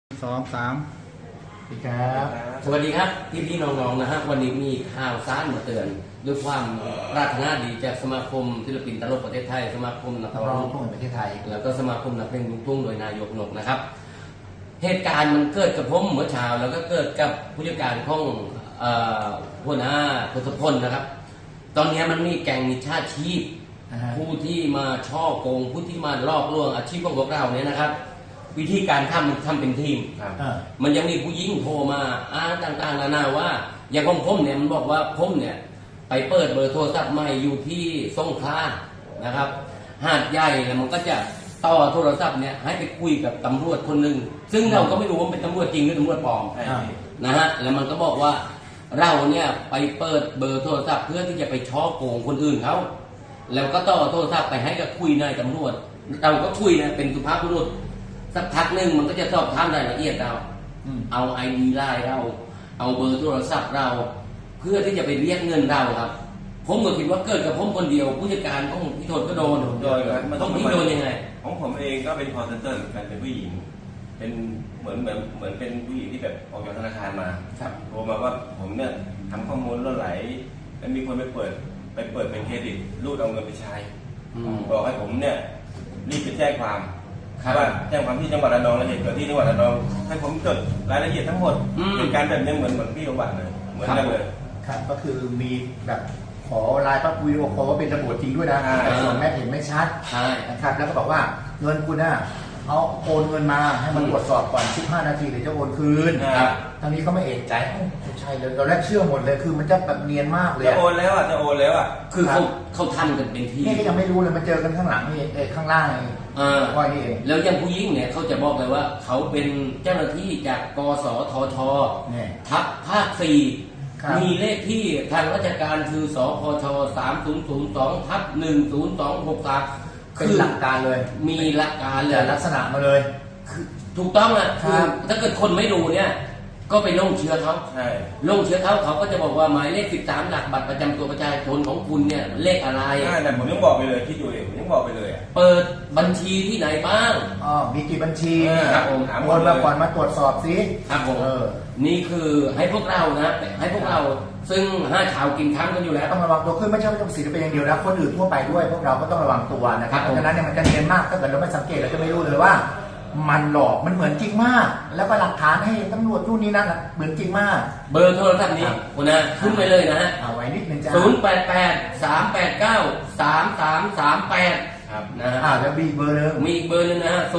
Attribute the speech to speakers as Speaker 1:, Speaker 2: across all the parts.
Speaker 1: 2 3
Speaker 2: สวัสดีครับ
Speaker 3: สวัสดีครับพี่น้องๆนะฮะวันนี้มีข่าวสารมาเตือนด้วยความปรารถนาดีจากสมาคมศิลปินตลกประเทศไทยสมาคมนักร้องลูกทุ่ง
Speaker 2: ประเทศไทย
Speaker 3: แล้วก็สมาคมนักเพลงลูกทุ่งโดยนายกนกนะครับเหตุการณ์มันเกิดกับผมเมื่อเช้าแล้วก็เกิดกับผู้จัดการของหัวหน้าทศพลนะครับตอนนี้มันมีแก๊งมิจฉาชีพผู้ที่มาช่อโกงผู้ที่มาลอกลวงอาชีพของพวกเราเนี่ยนะครับวิธีการทำเป็นทีมมันยังมีผู้หญิงโทรมาอ้างต่างๆนานาว่าอย่างของผมเนี่ยมันบอกว่าผมเนี่ยไปเปิดเบอร์โทรศัพท์ใหม่อยู่ที่สงขลานะครับหาดใหญ่แล้วมันก็จะต่อโทรศัพท์เนี่ยให้ไปคุยกับตำรวจคนหนึ่งซึ่งเราก็ไม่รู้ว่าเป็นตำรวจจริงหรือตำรวจปลอมนะฮะแล้วมันก็บอกว่าเราเนี่ยไปเปิดเบอร์โทรศัพท์เพื่อที่จะไปช่อโกงคนอื่นเขาแล้วก็ต่อโทรศัพท์ไปให้กับคุยนายตำรวจเราก็คุยนะเป็นสุภาพบุรุษสักพักหนึ่งมันก็จะสอบถามรายละเอียดเราเอาไอดีไลน์เราเอาเบอร์โทรศัพท์เราเพื่อที่จะไปเรียกเงินเราครับผมก็คิดว่าเกิดกับผมคนเดียวผู้จัดการของพี่โทนก็โดนต้องพี่โดนยังไง
Speaker 4: ของผมเองก็เป็นคอลเซ็นเตอร์เหมือนกันเป็นผู้หญิงเป็นเหมือนเป็นผู้หญิงที่แบบออกจากธนาคารมาโทรมาว่าผมเนี่ยทำข้อมูลล่วไหลแล้วมีคนไปเปิดเป็นเครดิตรูดเอาเงินไปใช้บอกให้ผมเนี่ยรีบไปแจ้งความว่าแจ้งความที่จังหวัดระนองและเหตุเกิดที่จังหวัดระนองให้ผมจดรายละเอียดทั้งหมดเป็นการแบบนี้เหมือนพี่ประวัติเลยเหมือนกันเลย
Speaker 2: ครับก็คือมีแบบขอไลน์ปั๊บวิดีโอคอลว่าเป็นตำรวจจริงด้วยนะแต่ส่วนแม่เห็นไม่ชัดนะครับแล้วก็บอกว่าเงินคุณน่ะเอาโอนเงินมาให้มันตรวจสอบก่อน15 นาทีเดี๋ยวจะโอนคืนทางนี้ก็ไม่เอกใจใช่เลยเราแรกเชื่อหมดเลยคือมันจะแบบเนียนมากเลย
Speaker 4: จะโอนแล้ว
Speaker 3: คือเขาทำกันเป็นที
Speaker 2: นี่ก็ยังไม่รู้เลยมาเจอกันข้างหลังนี่ข้างล่างนี่ก้อยนี่เอง
Speaker 3: แล้วยังผู้หญิงเนี่ยเขาจะบอกเลยว่าเขาเป็นเจ้าหน้าที่จากกสทช.ทัพภาค 4มีเลขที่ทางราชการคือสพช3002/10263
Speaker 2: เป็นหลักการเลย
Speaker 3: มีหลักการเลย
Speaker 2: ลักษณะมาเลย
Speaker 3: ถูกต้องอ่ะคือถ้าเกิดคนไม่รู้เนี่ยก็ไปลงเชื้อเขาลงเชื้อเขาก็จะบอกว่าหมายเลข13หลักบัตรประจำตัวประชาชนของคุณเนี่ยเลขอะไร
Speaker 4: แต่ผมยังบอกไปเลยคิดดูเองผมยังบอกไปเลย
Speaker 3: เปิดบัญชีที่ไหนบ้าง
Speaker 2: มีกี่บัญชี
Speaker 3: ครับผม
Speaker 2: โอนมาก่อนมาตรวจสอบสิ
Speaker 3: ครับผมนี่คือให้พวกเรานะให้พวกเราซึ่ง5 ชาวกินค้างกันอยู่แล้ว
Speaker 2: ต้องระวังตัวขึ้นไม่ใช่ว่าต้องศิลปินอย่างเดียวนะคนอื่นทั่วไปด้วยพวกเราก็ต้องระวังตัวนะครับเพราะฉะนั้นเนี่ยมันจะเนียนมากถ้าเกิดเราไม่สังเกตเราจะไม่รู้เลยว่ามันหลอกมันเหมือนจริงมากแล้วก็หลักฐานให้ตำรวจนู่นนี่นั่นเหมือนจริงมาก
Speaker 3: เบอร์โทรศัพท์นี้คุณนะขึ้นไปเลยนะฮะ
Speaker 2: เอาไว้นิดนึงจ้า
Speaker 3: 088-389-3338ครับนะฮะ
Speaker 2: แล้วมีเบอร์นึง
Speaker 3: มีอีกเบอร์นึงนะฮะ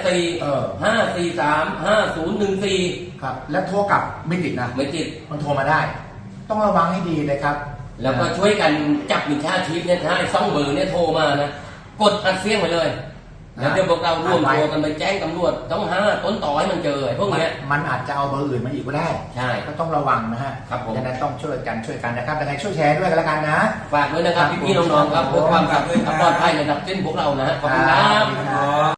Speaker 3: 084-543-5014
Speaker 2: ครับแล้วโทรกลับไม่ติดนะ
Speaker 3: ไม่ติด
Speaker 2: มันโทรมาได้ต้องระวังให้ดีเลยครับ
Speaker 3: แล้วก็ช่วยกันจับมิจฉาชีพเนี่ยถ้าไอ้2 เบอร์เนี่ยโทรมานะกดอัดเสียงไปเลยแล้วเดี๋ยวพวกเราร่วมตัวกันไปแจ้งตำรวจต้องหาต้นต่อให้มันเจอไอ้พวกนี้
Speaker 2: มันอาจจะเอาเบอร์อื่นมาอีกก็ได้
Speaker 3: ใช่
Speaker 2: ก็ต้องระวังนะฮะ
Speaker 3: ครับผม
Speaker 2: ดังนั้นต้องช่วยกันนะครับยังไงช่วยแชร์ด้วยกันแล้วกันนะ
Speaker 3: ฝากด้วยนะครับพี่น้องๆครับเพื่อความปลอดภัยในระดับเส้นพวกเรานะขอบคุณครับ